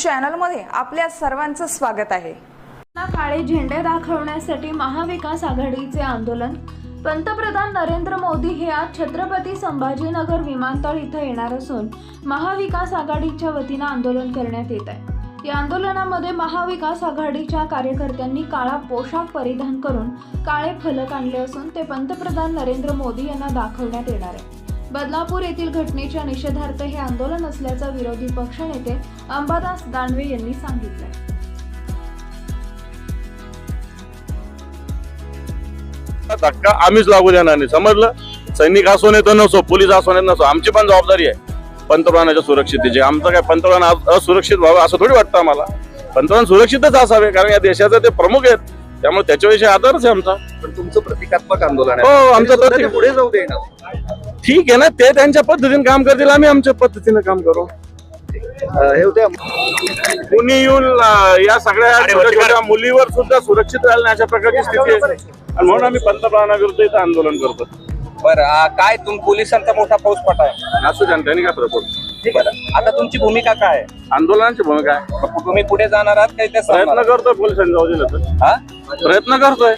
चॅनलमध्ये आपल्या सर्वांचं स्वागत आहे। काळे झेंडे दाखवण्यासाठी महाविकास आघाडीचे आंदोलन। पंतप्रधान नरेंद्र मोदी हे आज छत्रपती संभाजीनगर विमानतळ इथे येणार असून महाविकास आघाडीच्या वतीने आंदोलन करण्यात येत आहे। या आंदोलनामध्ये महाविकास आघाडीच्या कार्यकर्त्यांनी काळा पोशाख परिधान करून काळे फलक आणले असून ते पंतप्रधान नरेंद्र मोदी यांना दाखवण्यात येणार आहे। बदलापूर येथील घटनेच्या निषेधार्थ हे आंदोलन असल्याचं विरोधी पक्षनेते अंबादास दानवे यांनी सांगितलं। धक्का आम्हीच लागू देणार नाही, समजलं। सैनिक असो नाही तर नसो, पोलीस असो नाही नसो, आमची पण जबाबदारी आहे पंतप्रधानाच्या सुरक्षिततेची। आमचं काय पंतप्रधान असुरक्षित व्हावं असं थोडी वाटतं आम्हाला। पंतप्रधान सुरक्षितच असावे, कारण या देशाचे ते प्रमुख आहेत, त्यामुळे त्याच्याविषयी आदरच आहे आमचा। पण तुमचं प्रतिकात्मक आंदोलन आहे। हो, आमचं ते पुढे जाऊ देणार। ठीक आहे ना, ते त्यांच्या पद्धतीने काम करतील, आम्ही आमच्या पद्धतीने काम करू। हे होते कुणी येऊन या सगळ्या छोट्या मुलीवर सुद्धा सुरक्षित राहिलं नाही अशा प्रकारची स्थिती आहे, आणि म्हणून आम्ही पंतप्रधानाविरुद्ध इथं आंदोलन करतो। बरं, काय पोलिसांचा मोठा फौजफाटा आहे असू द्या, त्यांनी काय फरक पडतो। बरं, आता तुमची भूमिका काय आहे? आंदोलनाची भूमिका आहे, तुम्ही पुढे जाणार आहात काही? प्रयत्न करतोय पोलिसांनी जाऊ दिलं तर। हा, प्रयत्न करतोय।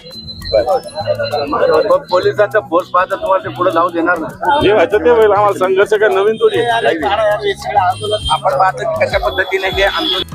पोलिसांचा फोर्स पाहता तुम्हाला ते पुढे जाऊ देणार नाही। जे व्हायचं ते होईल, आम्हाला संघर्ष काय नवीन थोडी आहे। आपण पाहतो की कशा पद्धतीने हे आंदोलन